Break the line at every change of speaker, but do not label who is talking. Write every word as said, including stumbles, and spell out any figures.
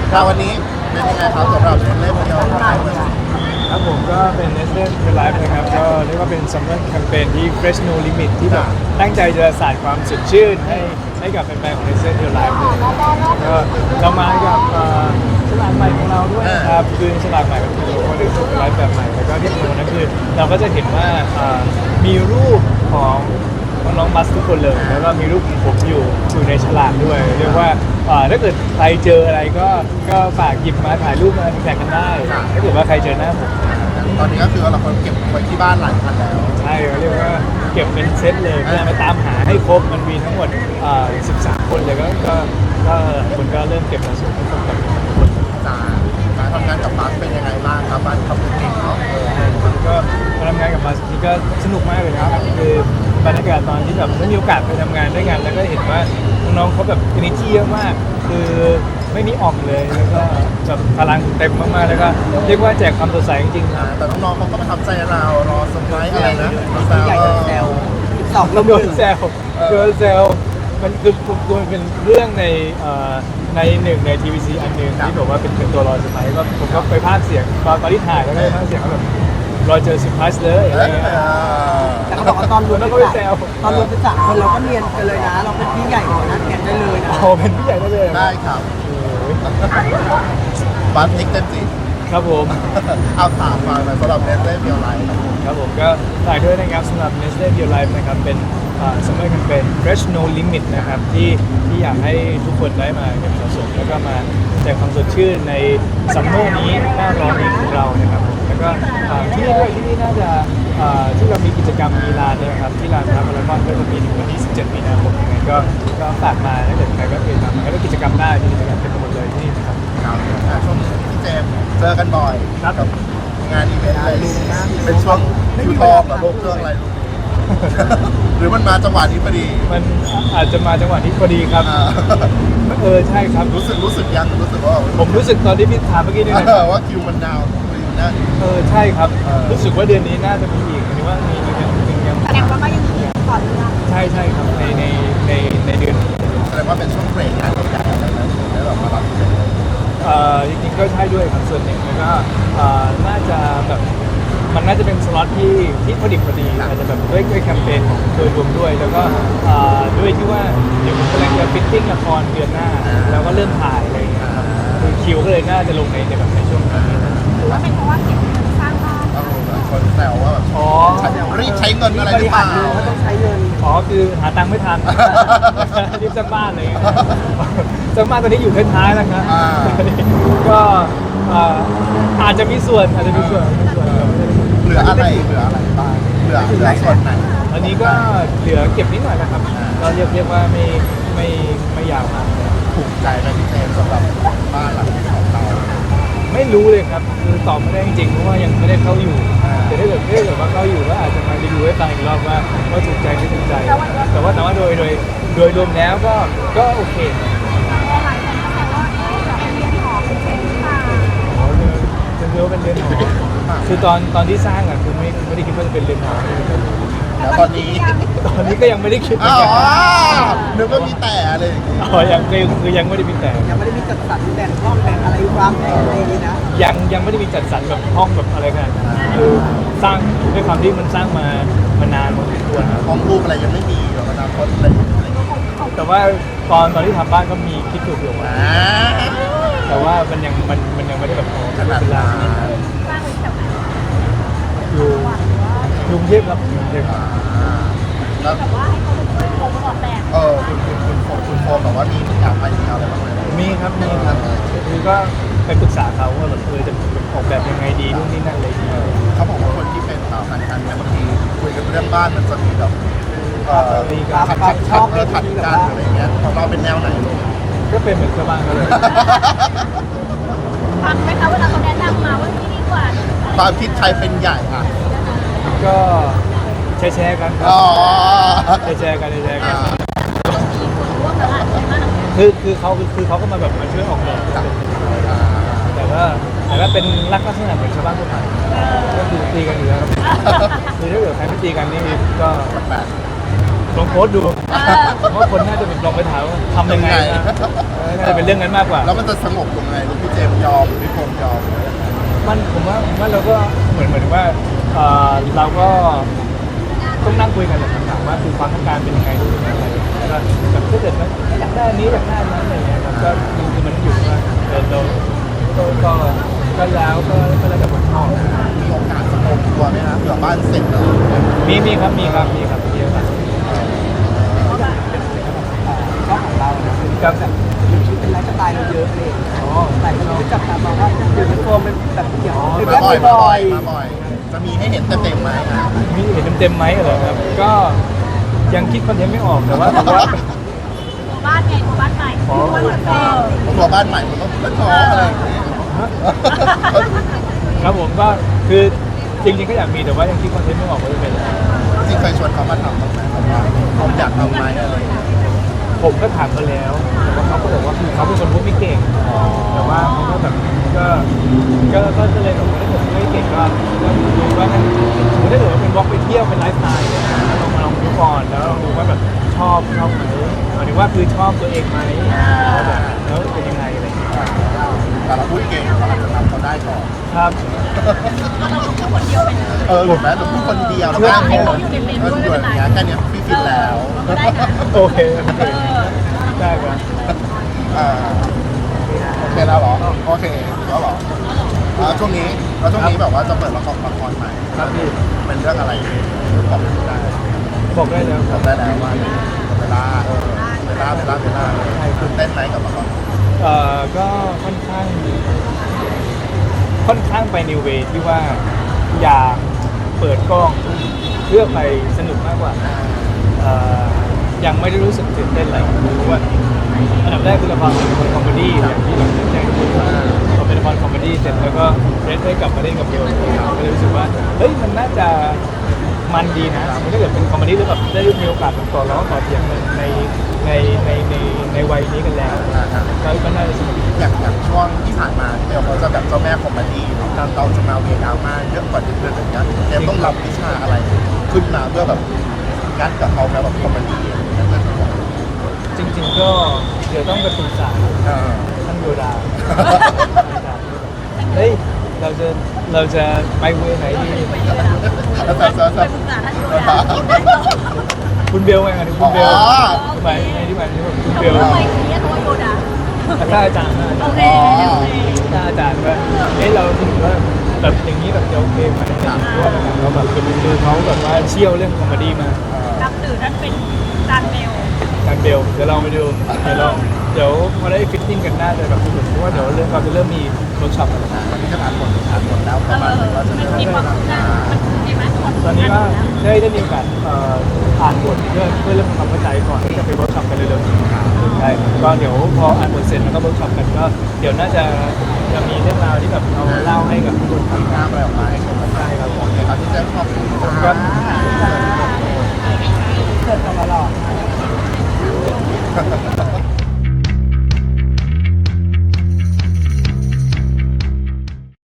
ครับวันนี้เป็นยังไงครับสำหรับเล่นเดียว
ครับผมก็เป็น Nestle Real Life นะครับก็เรียกว่าเป็น Summer Campaign ที่ Fresh No Limit ที่แบบตั้งใจจะสาดความสดชื่นให้ให้กับแฟนๆของ Nestle Real Life เลยก็เรามากับเอ่อฉลากใหม่ของเราด้วยนะครับคือฉลากใหม่ก็คือโมเดล Real Life แบบใหม่แล้วก็ที่สำคัญนั่นคือเราก็จะเห็นว่าเอ่อมีรูปของน้องๆบัสทุกคนเลยแล้วก็มีรูปของผมอยู่อยู่ในฉลากด้วยเรียกว่าเอ่อถ้าเกิดใครเจออะไรก็ก็ฝากหยิบมาถ่ายรูปมาแท็กกันได้ถ้าเกิดว่าใครเจอหน้าผม
ตอนนี้ก็คือเราคนเก็บไว้ที่บ้านหลายพันแล้ว
ใช่เรียกว่าเก็บเป็นเซตเลยเพื่อมาตามหาให้ครบมันมีทั้งหมดอ่าสิบสามคนเลยก็ก็ก็คนก็เริ่มเก็บสะสมให้ครบกับทุกคน
จ้าการทำงานกับบัสเป็นยังไงบ้างครับบัสทำเก่งเนาะเออ
ก็มาทำงานกับมาสนี่ก็สนุกมากเลยนะครับคือบรรยากาศตอนที่แบบได้มีโอกาสไปทำงานด้วยกันแล้วก็เห็นว่าน้องๆเขาแบบ energy เยอะมากคือไม่มีอ่อมเลยแล้วก็แบบพลังเต็มมากๆแล้วก็เรียกว่าแจกความสดใสจริงๆครับ
แต่น้องๆเขาก็ประทับใจเรารอเซอร์ไพรส์อะไรนะแซว
ใหญ่แซวสอง
โดนแซวโดนแซวมันคือตัวเป็นเรื่องในเอ่อในหนึ่งในทีวีซีอันหนึ่งที่บอกว่าเป็นเป็นตัวรอเซอร์ไพรส์ก็ผมก็ไปพากย์เสียงตอนตอนที่ถ่ายแล้วก็ไปพากย์เสียงแบบรอเจอเซอร์ไพรส์เลยอะไรเงี้ย
แต่เขาบอกว่าตอนรวม
แล้ว
เป็
ก็
น
ไป
สาม
แซว
ตอนรวมเป็นสามคนเราก็เนียนกันเลยนะ เราเป็นพี่ใหญ่กว่านั้นแกนได้เลยนะ
โอ้เป็นพี่ใหญ่ได้เลย
ได้ครับบัสติ๊กเต็มจริง
ครับผม
เอาถามมาหน่อยสำหรับเนสเล่เบียร์ไลท์
ครับผมก็ฝากด้วยนะครับสำหรับ Nestle Real Life นะครับเป็นซัมเมอร์แคมเปญ Fresh No Limit นะครับที่ที่อยากให้ทุกคนได้มาเก็บสะสมแล้วก็มาแจกความสดชื่นในซัมเมอร์นี้หน้าร้อนนี้ของเรานะครับผมแล้วก็อ่าที่นี่ด้วยที่นี่น่าจะอ่าที่เรามีกิจกรรมมีลานด้วยนะครับที่ลานพระพารากอนก็จะมีถึงวันที่สิบเจ็ดมีนาคมยังไงก็ก็ฝากมาถ้าเกิดใครก็เคยทำแล้วก็กิจกรรมได้มีกิจกรรมเต็มไปหมดเลยที่นี่นะครับ
ครับอ่าช่วงนี้พี่เจมส์เจอกันบ่อย
ครับ
กับงานอีเวนต์อะไรเป็นช่วงคิวทองเหรอโลกเครื่องอะไรลูก หรือมันมาจังหวะนี้พอดี
มันอาจจะมาจังหวะที่พอดีครับ
อ่า
เออใช่ครับ
รู้สึกรู้สึกยังรู้สึกว่า
ผมรู้สึกตอนที่พี่ถามเมื่อกี้นี่นะ
เออว่าคิวมันดาวน์อยู่นะ
เออใช่ครับ
เออ
รู้สึกว่าเดือนนี้น่าจะมีอีกหรือว่ามีมียังมียัง
แสดงว่าก็ยังมีก่อนเรื่อง
ใช่ใช่ครับในในในในเดือนนี้
แสดงว่าเป็นช่วงเบรกงานใหญ่ๆอะไรนั้นแล้วแบบมารับอีเวนต์เลย
เอ่อจริงๆก็ใช่ด้วยครับส่วนหนึ่งแล้วก็เอ่อน่าจะแบบมันน่าจะเป็นสล็อตที่ที่พอดีพอดีอาจจะแบบด้วยด้วยแคมเปญของโดยรวมด้วย แล้วก็เอ่อด้วยที่ว่าเดี๋ยวผมกำลังจะฟิตติ้งละครเดือนหน้า แล้วก็เริ่มถ่ายอะไรอย่างเงี้ยครับคือคิวก็เลยน่าจะลงในในแบบในช่วงนี้นะ
หรือว่าเป็นเพราะว่าเก็บเงินสร้างบ้าน
เออแบบคนแซวว่าแบบ
อ๋อ
รีบใช้เงินอะไรหรือเปล่า
เขาต้องใช้เงิน
อ๋อคือหาตังค์ไม่ทัน รีบสร้างบ้านเลยสร้างบ้านตอนนี้อยู่ท้ายๆแล้วครับ
อ่า
ก็เอ่ออาจจะมีส่วนอาจจะมีส่วนมีส่วนครับ
เหลืออะไรเหลืออะไรบ้างเหลือเหลือส่วนไหน
อันนี้ก็เหลือเก็บนิดหน่อยนะครับก็เรียกเรียกว่าไม่ไม่ไม่ยาวมาก
ถูกใจไหมพี่เจมส์สำหรับบ้านหลังนี้ของเรา
ไม่รู้เลยครับคือตอบไม่ได้จริงๆเพราะว่ายังไม่ได้เข้าอยู่
อ่า
แต่ถ้าเกิดถ้าเกิดว่าเข้าอยู่ก็อาจจะมารีวิวให้ฟังอีกรอบว่าว่าถูกใจไม่ถูกใจ แต่ว่าแต่ว่าโดยโดยโดยรวมแล้วก็ก็โอเค
หลายคนก็แซวว่าเอ๊ะแบบเป็นเรียนหอเป็นเซ็นหรือเปล่า
อ๋อเรือนจะเรียกว่าเป็นเรือนหอคือตอนตอนที่สร้างอ่ะคือไม่ไม่ได้คิดว่าจะเป็นเรือนหอ
แล้วตอนนี้
ตอนนี้ก็ยังไม่ได้คิดเหมื
อ๋
อน
อ
กัน
นึกว่ามีแต่อะไรอย่างงี้
อ๋อยังคือคือยังไม่ได้มีแต่
ยังไม่ได้มีจัดสรรแบ่งห้องแบ่งอะไรวางแผนอะไรอย่างนี้นะ
ยังยังไม่ได้มีจัดสรรแบบห้องแบบอะไรขนาดนั้นคือสร้างด้วยความที่มันสร้างมามานานพอสมควรครับ
ห้องรูปอะไรยังไม่มีหรอกอนาคตอะไรอะไรอย่างเงี้ย
แต่ว่าตอนตอนที่ทำบ้านก็มีคิดถูกอยู่
อ่า
แต่ว่ามันยังมันมันยังไม่ได้แบบโอ้
ขนาด
เวลา
นั้น
สร้างไว้แบบไหน
อยู่กรุงเทพครับกรุงเทพ
อ่าแล้ว
แบบว่าให้เขาเป็นคนออกแบบ
เออคุณคุณคุณโฟคุณโฟแบบว่ามีอยากไปมีอะไรบ้างไหม
มีครับมีครับคือก็ไปปรึกษาเขาว่าแบบเออจะออกแบบยังไงดีนู่นนี่นั่นอะไรอย่างเงี้ย
เขาบอกว่าคนที่เป็นสาวพันธุ์กันเนี่ยบางทีคุยกันเรื่องบ้านมันจะมีแบบเอ่อขัดขัดขัดเออขัดกันอะไรอย่างเงี้ยของเราเป็นแนวไหนลูก
ก็เป็นเหมือนชาวบ้านเขาเลย
ฟังไหมคะเวลาเขาแนะนำมาว่าที่ดีกว่า
ความคิดใครเป็นใหญ่อ่ะ
ก็แชร์แชร์กันครั
อ๋อบ
แชร์แชร์กันแชร์กัน
ร่วมตลาดใช่ไหม
คือคือเขาคือคือเขาก็มาแบบมาช่วยออกแบบ
อ่า
แต่ว่าแต่ว่าเป็นลักษณะเหมือนชาวบ้านทั่วไปก็คือตีกันอยู่แล้วครับคือถ้าเกิดใครไม่ตีกันนี่ก็
แบบ
กลองโพสต์ดูเพราะคนน่าจะแบบลองไปถามว่าทำยังไงนะเออน่าจะเป็นเรื่องนั้นมากกว่า
แล้วมันจะสงบยังไงลูกพี่เจมส์ยอมพี่โฟมยอม
มันผมว่าผมว่าเราก็เหมือนเหมือนว่าเอ่อเราก็ต้องนั่งคุยกันแหละถามว่าคือความต้องการเป็นยังไงรู้เป็นอะไรแล้วก็แบบถ้าเกิดว่าอยากได้อันนี้อยากได้อันนั้นอะไรเงี้ยครับก็คือมันอยู่ว่าเออเราก็ก็ก็แล้วก็ก็แล้วแต่คนชอบ
มีโอกาสสงบตัวไหมครับเผื่อบ้านเสร็จแล้ว
มีมีครับมีครับมีครับมีครับ
ช่องของเราเนี่ยคือ
ครับ
แบบอยู่ชีวิตเป็นไลฟ์สไตล์เราเยอะเลย
อ๋อ
แต่คนก็จับตามองว่าเดี๋ยวนี้โฟมเป็นแบบเกี่ยวกับ
มา
เรื่อง
บ่อยมา
บ่
บ่
อ
อย
ย
มาบ่อย จะมีให้เห็นเต็มๆไหมอ่ะ
มีเห็นเต็มๆไหมเหรอครับก็ยังคิดคอนเทนต์ไม่ออกแต่ว่าแต่ว่า
ตัวบ้านไงตัวบ้านใหม่
อ๋อ
ตัวเหมือนเดิม
ผมตัวบ้านใหม่มันต้องเป็นท้องอะไรอย่างเงี้ย
ครับผมก็คือจริงๆก็อยากมีแต่ว่ายังคิดคอนเทนต์ไม่ออกว่าจะเป็นอะไร
จริงเคยชวนเขามาทำบ้างไหมแบบว่าผมอยากทำไหมอะไรอย่างเงี้ย
ผมก็ถามเขาแล้วแต่ว่าเขาก็บอกว่าคือเขาเป็นคนพูดไม่เก่ง แต่ว่าเขาก็แบบก็ก็ก็ก็เลยแบบว่าถ้าเกิดไม่เก่งก็ก็ดูว่าถ้าสมมติถ้าเกิดว่าเป็นวอล์กไปเที่ยวเป็นไลฟ์สไตล์เนี่ยนะลองมาลองดูก่อนแล้วลองดูว่าแบบชอบชอบไหมหมายถึงว่าคือชอบตัวเองไหมแล้วแบบแล้วเป็นยังไงอะไรอย่างเงี้ย
แต่เราพูดเก่งเราอาจจะทำเขาได้ก่อน
ครับ
เราแค่คนเดียวเป็น
เออหรือแม้เราพูดคนเดียวแล้วก็เอออยู่อย่างเงี้ยแค่เนี้ยพี่ฟินแล้ว
ได้นะ
โอเคโอเค
เออ
ได้ครับ
อ่าโอเคแล้วเหรอโอเคแล้วเหรออ่าช่วงนี้แล้วช่วงนี้แบบว่าจะเปิดละครละครใหม่
ครับพี่
เป็นเรื่องอะไรบอกได้
บอกได้แล้ว
บ
ครั
อบ กได้แล้วว่าเวลาเออเวลาเวลาเวลาตื่นเต้นไหมกับละคร
เอ่อก็ค่อนข้าง ค่อนข้างไปในเวที่ว่าอยากเปิดกล้องเพื่อไปสนุกมากกว่าเอ่อยังไม่ได้รู้สึกตื่นเต้นอะไรเพราะว่าอันดับแรกคือละครเป็นละครคอมเมดี้อย่างที่เราแจ้งทุกคนว่าพอเป็นละครคอมเมดี้เสร็จแล้วก็เรนได้กลับมาเล่นกับเบลก็เลยรู้สึกว่าเฮ้ยมันน่าจะมันดีนะถ้าเกิดเป็นคอมเมดี้แล้วแบบได้มีโอกาสแบบต่อร้องต่อเถียงในในในในในในวัยนี้กันแล้วก็ก็น่าจะสนุก
อย่างอย่างช่วงที่ผ่านมาที่เบลเขาจะแบบเจ้าแม่คอมเมดี้เนาะเราจะมาเวดราม่าเยอะกว่าเดือนอย่างเงี้ยเจมต้องรับวิชาอะไรขึ้นมาเพื่อแบบงัดกับเขาแล้วแบบคอมเมดี้นั่นคือ
จริงๆก็เดี๋ยวต้องไปปรึกษา
เออ
ท่านโยดาเฮ้ยเราจะเราจะไปเวไหนดี
แล้วแต่แต่
ไป
แต่
ปรึกษาท่านดูแล
คุณเบลไงครับคุณเบลหมายในที่หมายถึงว่าคุณเบล
ทำไมถึงเรียกตัวโยดา
ถ้าอาจารย์นะ
โอเคโอเค
ถ้าอาจารย์ว่าเอ้ยเราคิดว่าแบบอย่างนี้แบบจะโอเคไหมเพราะว่าเราแบบคือเขาแบบว่าเชี่ยวเรื่องคอมเมดี้มา
นับถือท่านเป็นจานเบล
การเบลเดี๋ยวลองไปดูเดี๋ยวลองเดี๋ยวพอได้ฟิตติ้งกันน่าจะแบบสนุกเพราะว่าเดี๋ยวเริ่มเราจะเริ่มมีเวิร์กช็อปกันแล้ว
ตอนนี้ก็อ่านบทอ่านบทแล้วประมาณว่าจะ
มันมีความคืบหน้ามันดีไหม
ตอนนี้ก็ได้ได้มีโอกาสเอ่ออ่านบทเพื่อเพื่อเริ่มทำความเข้าใจก่อนที่จะไปเวิร์กช็อปกันเร็วๆใช่ก็เดี๋ยวพออ่านบทเสร็จแล้วก็เวิร์กช็อปกันก็เดี๋ยวน่าจะจะมีเรื่องราวที่แบบเราเล่าให้กับทุกคนฟัง
หน้าอะไรออกมาให้ชมกันได้ครับผมเดี๋ยวที่แจ้งขอบคุณ
ค
ค
รั
รับ บ
เกิดตลอด
Gracias.